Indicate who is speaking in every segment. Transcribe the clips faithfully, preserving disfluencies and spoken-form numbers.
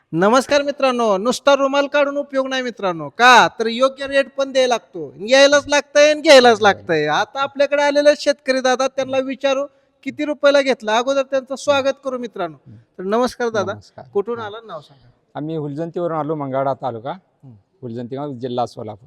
Speaker 1: नमस्कार मित्रांनो. नुसता रुमाल काढून उपयोग नाही मित्रांनो. का तर योग्य रेट पण द्यायला लागतो. यायलाच लागतंय आणि घ्यायलाच लागतंय. आता आपल्याकडे आलेले शेतकरी दादा त्यांना विचारू किती रुपयाला घेतला. अगोदर त्यांचं स्वागत करू मित्रांनो. तर नमस्कार दादा.
Speaker 2: नमस्कार.
Speaker 1: कुठून
Speaker 2: हा.
Speaker 1: आला नाव सांगा.
Speaker 2: आम्ही हुलजंतीवरून आलो, मंगळवेढा तालुका,
Speaker 1: हं.
Speaker 2: हुलजंती गाव, जिल्हा सोलापूर.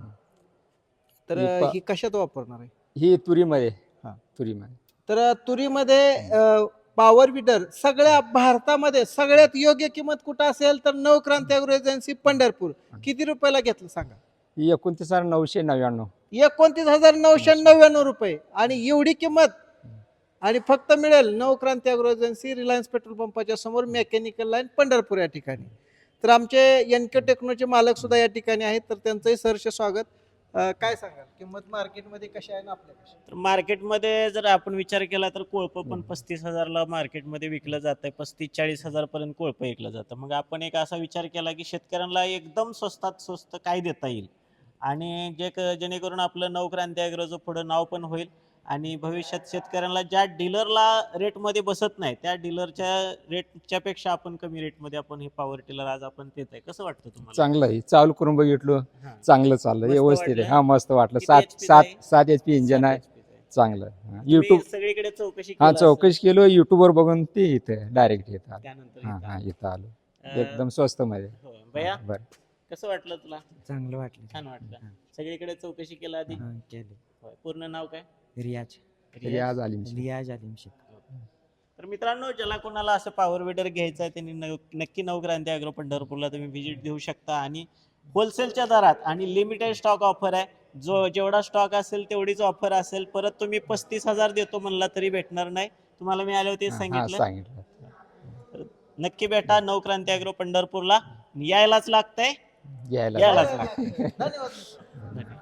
Speaker 1: तर
Speaker 2: ही प-
Speaker 1: ही कशात वापरणार आहे?
Speaker 2: ही तुरीमध्ये
Speaker 1: हा.
Speaker 2: तुरीमध्ये
Speaker 1: तर तुरीमध्ये पॉवर विडर सगळ्या भारतामध्ये सगळ्यात योग्य किंमत कुठं असेल तर नवक्रांती अॅग्रो एजन्सी पंढरपूर. किती रुपयाला घेतलं सांगा.
Speaker 2: ही एकोणतीस हजार नऊशे नव्याण्णव
Speaker 1: एकोणतीस हजार नऊशे नव्याण्णव रुपये आणि एवढी किंमत आणि फक्त मिळेल Navkranti agro agency, Reliance petrol पंपाच्या समोर, मेकॅनिकल लाईन, पंढरपूर या ठिकाणी. तर आमचे एनके टेक्नोचे मालक सुद्धा या ठिकाणी आहेत, तर त्यांचंही सहर्ष स्वागत. अं, काय सांगाल किंमत मार्केटमध्ये कशी आहे ना आपल्या कशी?
Speaker 3: तर मार्केटमध्ये जर आपण विचार केला तर कोळपं पण पस्तीस हजारला मार्केटमध्ये विकलं जातंय. पस्तीस चाळीस हजार पर्यंत कोळपं विकलं जातं. मग आपण एक असा विचार केला की शेतकऱ्यांना एकदम स्वस्तात स्वस्त काय देता येईल आणि जे क- जेणेकरून आपलं नवक्रांती ॲग्रोचं पुढं नाव पण होईल आणि भविष्यात शेतकऱ्यांना ज्या डीलरला रेटमध्ये बसत नाही त्या डीलरच्या रेटच्या पेक्षा आपण कमी रेटमध्ये आपण हे पॉवर टिलर आज आपण देत आहे. कसं वाटतं तुम्हाला?
Speaker 2: चांगलं आहे. चालू करून बघितलं,
Speaker 3: हां.
Speaker 2: चांगलं चाललं,
Speaker 3: मस्त
Speaker 2: व्यवस्थित आहे.
Speaker 3: वाटलं?
Speaker 2: हा, मस्त वाटलं.
Speaker 3: किती
Speaker 2: सात
Speaker 3: H P चं
Speaker 2: सात
Speaker 3: आहे?
Speaker 2: सात एच पी इंजन आहे.
Speaker 3: सात H P चं आहे.
Speaker 2: चांगलं आहे.
Speaker 3: तुम्ही
Speaker 2: युट्यूब
Speaker 3: सगळीकडे चौकशी
Speaker 2: हा
Speaker 3: केलं असेल.
Speaker 2: चौकशी केलो, युट्यूबवर बघून ते इथं डायरेक्ट येत आलो.
Speaker 3: त्यानंतर
Speaker 2: हा
Speaker 3: इथं
Speaker 2: हा
Speaker 3: आलो.
Speaker 2: इथं आलो.
Speaker 3: अं,
Speaker 2: एकदम स्वस्त मध्ये.
Speaker 3: हो. भैया
Speaker 2: बरं.
Speaker 3: कसं वाटलं तुला?
Speaker 4: चांगलं वाटलं.
Speaker 3: छान वाटलं.
Speaker 4: हां.
Speaker 3: सगळीकडे चौकशी केला आधी?
Speaker 4: हां, केले.
Speaker 3: होय. पूर्ण नाव काय?
Speaker 4: रियाज
Speaker 2: रियाज आलिम शेख.
Speaker 4: रियाज आलिम शेख.
Speaker 3: तर मित्रांनो, ज्याला कोणाला असं पॉवर विडर घ्यायचं आहे त्यांनी नव- नक्की नवक्रांती अॅग्रो पंढरपूरला तुम्ही व्हिजिट देऊ शकता आणि होलसेलच्या दरात आणि लिमिटेड स्टॉक ऑफर आहे. जो जेवढा स्टॉक असेल तेवढीच ऑफर असेल. परत तुम्ही पस्तीस हजार देतो म्हणला तरी भेटणार नाही. तुम्हाला मी आले होते
Speaker 2: हा, हा,
Speaker 3: सांगितलं.
Speaker 2: सांगितलं.
Speaker 3: तर नक्की भेटा नवक्रांती अॅग्रो पंढरपूरला. यायलाच लागतंय.
Speaker 2: घ्यायला
Speaker 3: यायलाच
Speaker 1: धन्यवाद.
Speaker 3: लागतंय.